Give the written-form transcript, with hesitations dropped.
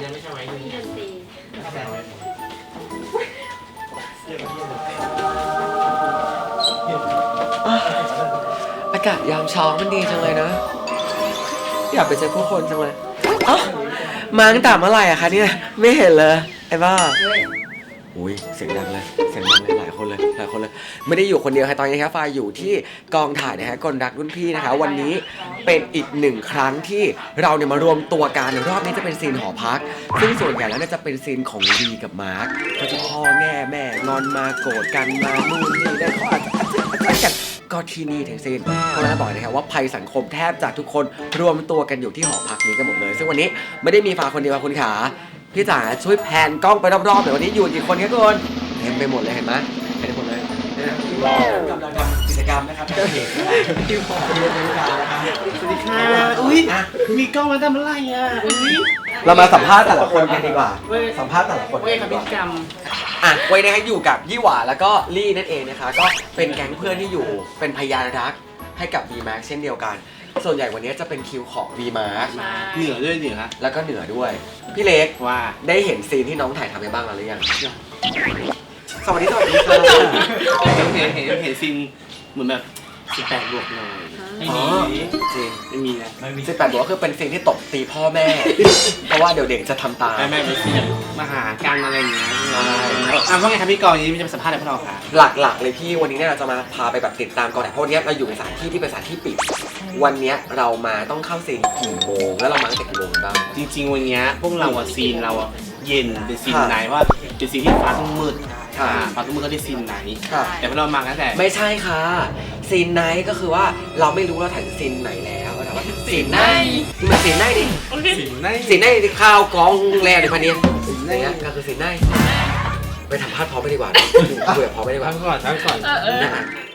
นะไม่ใช่ไหมที่ดนตรีอากาศยามเช้ามันดีจังเลยนะอยากไปเจอผู้คนจังเลยอ๋อมาตั้งแต่เมื่อไหร่อะคะเนี่ยไม่เห็นเลยไอ้บ้าอุ้ยเสียงดังเลยหลายคนเลยไม่ได้อยู่คนเดียวค่ะตอนนี้ครับฟ้าอยู่ที่กองถ่ายนะฮะกลรักรุ่นพี่นะคะวันนี้เป็นอีกหนึ่งครั้งที่เราเนี่ยมารวมตัวกันรอบนี้จะเป็นซีนหอพักซึ่งส่วนใหญ่แล้วจะเป็นซีนของดีกับมาร์คเขาจะพ่อแม่งอนมาโกรธกันมานู่นนี่ได้เขาอาจจะกันก็ที่นี่ทั้งสิ้นเพราะฉะนั้นบอกนะครับว่าภัยสังคมแทบจะทุกคนรวมตัวกันอยู่ที่หอพักนี้กันหมดเลยซึ่งวันนี้ไม่ได้มีฟ้าคนเดียวคุณขาพี่จ๋าช่วยแพนกล้องไปรอบๆเดี๋ยววันนี้อยู่กี่คนครับคุณเต็มไปหมดเลยเห็นไหมเต็มไปหมดเลยกำลังทำกิจกรรมนะครับที่หอพักนี้เป็นการนะครับสวัสดีค่ะอุ้ยมีกล้องมาทำอะไรอ่ะอุ้ยเรามาสัมภาษณ์แต่ละคนกันดีกว่าสัมภาษณ์แต่ละคนเว้ยครับพิธีกรรมไว้นะครับอยู่กับยี่หว่าแล้วก็ลี่นั่นเองนะคะก็เป็นแก๊งเพื่อนที่อยู่เป็นพยานรักให้กับ V-Max เช่นเดียวกันส่วนใหญ่วันนี้จะเป็นคิวของ V-Max เหนือด้วยเหนือแล้วก็เหนือด้วยพี่เล็กว่าได้เห็นซีนที่น้องถ่ายทำไปบ้างแล้วหรือยังสวัสดีค่ะเห็นซีนเหมือนแบบ18 บวกหน่อยไม่มีจริงไม่มีนะ 18บอกว่าคือเป็นซีนที่ตบตีพ่อแม่ เพราะว่าเดี๋ยวเด็กจะทำตามไม่เป็นซีนมาหาการอะไรอย่างเงี้ยว่าไงครับพี่กรณ์นี้จะมาสัมภาษณ์อะไรพวกเราคะหลักๆเลยพี่วันนี้เนี่ยเราจะมาพาไปแบบติดตามก่อนเพราะวันนี้เราอยู่ในสถานที่ที่เป็นสถานที่ปิดวันนี้เรามาต้องเข้าซีนกี่โมงแล้วเรามาตั้งแต่กี่โมงกันบ้างจริงๆวันนี้พวกเราอะซีนเราอะเย็นเป็นซีนไหนว่าเป็นซีนที่ฟ้าต้องมืดฟ้าต้องมืดก็ได้ซีนไหนแต่พวกเรามาตั้งแต่ไม่ใช่ค่ะซีนไนท์ก็คือว่าเราไม่รู้เราถ่ายซีนไหนแล้วแต่ว่าซีนไนท์มันซีนไนท์ดิซีนไหนซีนไนท์ที่ข้าวกองแร่ในพันนี้เนี่ยก็คือซีนไนท์ไปทำพาดพร้อมไปดีกว่าคุยกับพร้อมไปดีกว่าทั้งก่อนนะฮะ